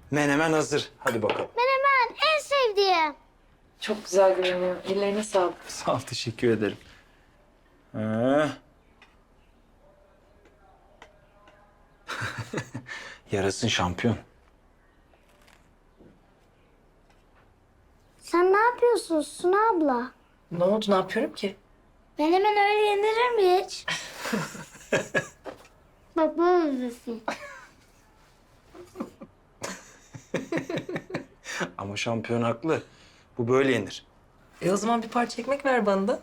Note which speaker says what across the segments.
Speaker 1: Menemen hazır. Hadi bakalım.
Speaker 2: Menemen en sevdiğim.
Speaker 3: Çok güzel görünüyor. Ellerine sağlık.
Speaker 1: Sağ ol, teşekkür ederim. Ha. Yarasın şampiyon.
Speaker 2: Sen ne yapıyorsun Suna abla?
Speaker 3: Ne oldu? Ne yapıyorum ki?
Speaker 2: Menemen öyle yenilir mi hiç? Baba özlesin.
Speaker 1: Ama şampiyon haklı. Bu böyle yenir.
Speaker 3: O zaman bir parça ekmek ver bana da.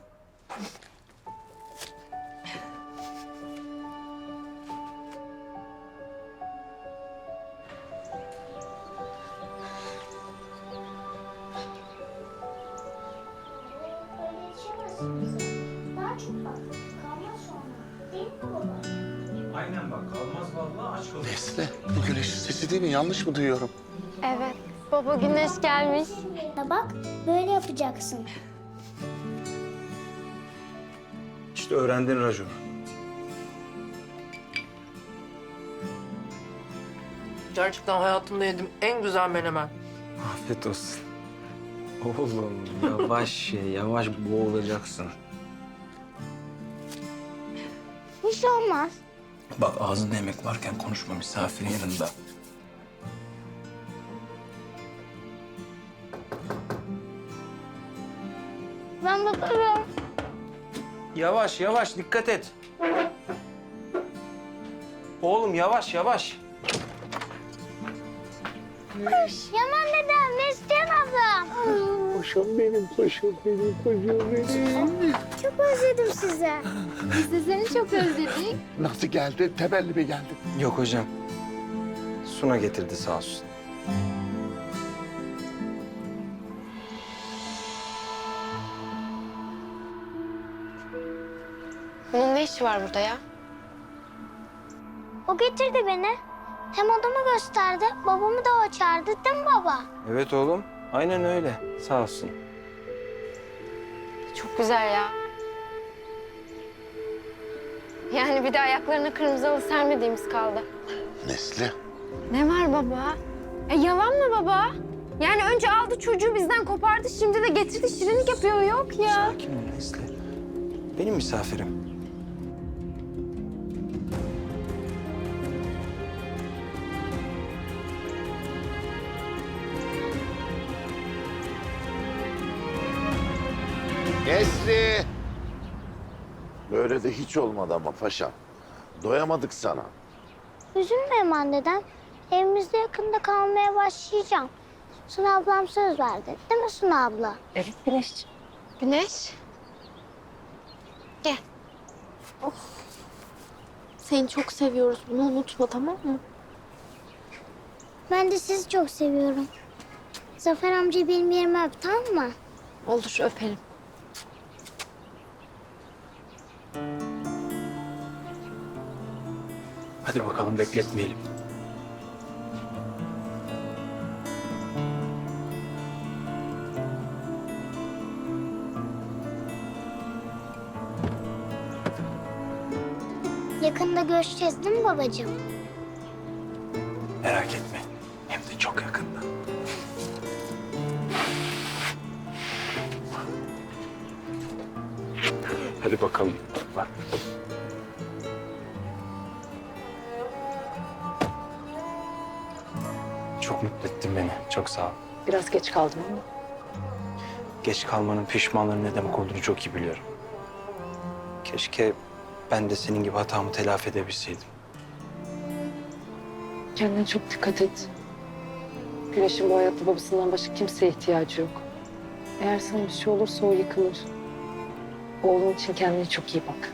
Speaker 2: Daha çok bak. Kalmaz sonra. Değil mi baba?
Speaker 1: Aynen bak, kalmaz vallahi aç kalır.
Speaker 4: Nesli, bu güneşin sesi değil mi? Yanlış mı duyuyorum?
Speaker 5: Evet. Baba güneş gelmiş.
Speaker 2: Bak böyle yapacaksın.
Speaker 1: İşte öğrendin raconu.
Speaker 3: Gerçekten hayatımda yedim en güzel menemen.
Speaker 1: Afiyet olsun. Oğlum yavaş ye, yavaş boğulacaksın.
Speaker 2: Hiç olmaz.
Speaker 1: Bak ağzında yemek varken konuşma misafirin yanında.
Speaker 2: Ben bakarım.
Speaker 1: Yavaş yavaş dikkat et. Oğlum yavaş yavaş.
Speaker 2: Yaman dedem, Neslihan ablam.
Speaker 4: Paşam benim, paşam benim, paşam benim.
Speaker 2: Çok özledim sizi.
Speaker 5: Biz de seni çok özledik.
Speaker 4: Nasıl geldi? Temelli mi geldi?
Speaker 1: Yok hocam. Suna getirdi sağ olsun.
Speaker 5: Bunun ne işi var burada ya?
Speaker 2: O getirdi beni. Hem odamı gösterdi, babamı da o çağırdı değil mi baba?
Speaker 1: Evet oğlum. Aynen öyle. Sağ olsun.
Speaker 5: Çok güzel ya. Yani bir de ayaklarına kırmızı halı sermediğimiz kaldı.
Speaker 4: Nesli,
Speaker 5: Ne var baba? Yalan mı baba? Yani önce aldı çocuğu bizden kopardı, şimdi de getirdi şirinlik yapıyor. Yok ya.
Speaker 1: Sakin ol Nesli. Benim misafirim.
Speaker 4: Nesli! Böyle de hiç olmadı ama paşam. Doyamadık sana.
Speaker 2: Üzülme Yaman dedem. Evimizde yakında kalmaya başlayacağım. Suna ablam söz verdi. Değil mi Suna abla?
Speaker 3: Evet Güneşciğim.
Speaker 5: Güneş. Gel. Seni çok seviyoruz. Bunu unutma, tamam mı?
Speaker 2: Ben de sizi çok seviyorum. Zafer amca benim yerime öp, tamam mı?
Speaker 5: Olur, öperim.
Speaker 1: Hadi bakalım bekletmeyelim.
Speaker 2: Yakında görüşeceğiz değil mi babacığım?
Speaker 1: Merak etme. Hem de çok yakında. Hadi bakalım. Bak. Çok mutlu ettin beni. Çok sağ ol.
Speaker 3: Biraz geç kaldım ama.
Speaker 1: Geç kalmanın pişmanlığının ne demek olduğunu çok iyi biliyorum. Keşke ben de senin gibi hatamı telafi edebilseydim.
Speaker 3: Kendine çok dikkat et. Güneş'in bu hayatta babasından başka kimseye ihtiyacı yok. Eğer sana bir şey olursa o yıkılır. Oğlun için kendine çok iyi bak.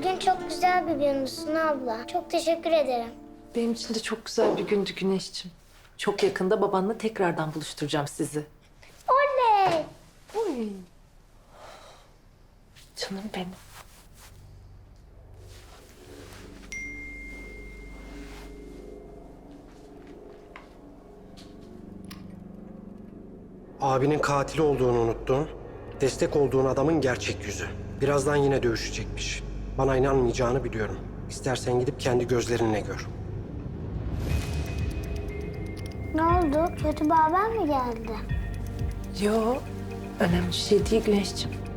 Speaker 2: Bugün çok güzel bir gündü Suna abla. Çok teşekkür ederim.
Speaker 3: Benim için de çok güzel bir gündü Güneşciğim. Çok yakında babanla tekrardan buluşturacağım sizi.
Speaker 2: Oley!
Speaker 3: Oy. Canım benim.
Speaker 6: Abinin katili olduğunu unuttun. Destek olduğun adamın gerçek yüzü. Birazdan yine dövüşecekmiş. Bana inanmayacağını biliyorum. İstersen gidip kendi gözlerinle gör.
Speaker 2: Ne oldu? Kötü bir haber mi geldi?
Speaker 3: Yo, önemli bir şey değil Güneşciğim.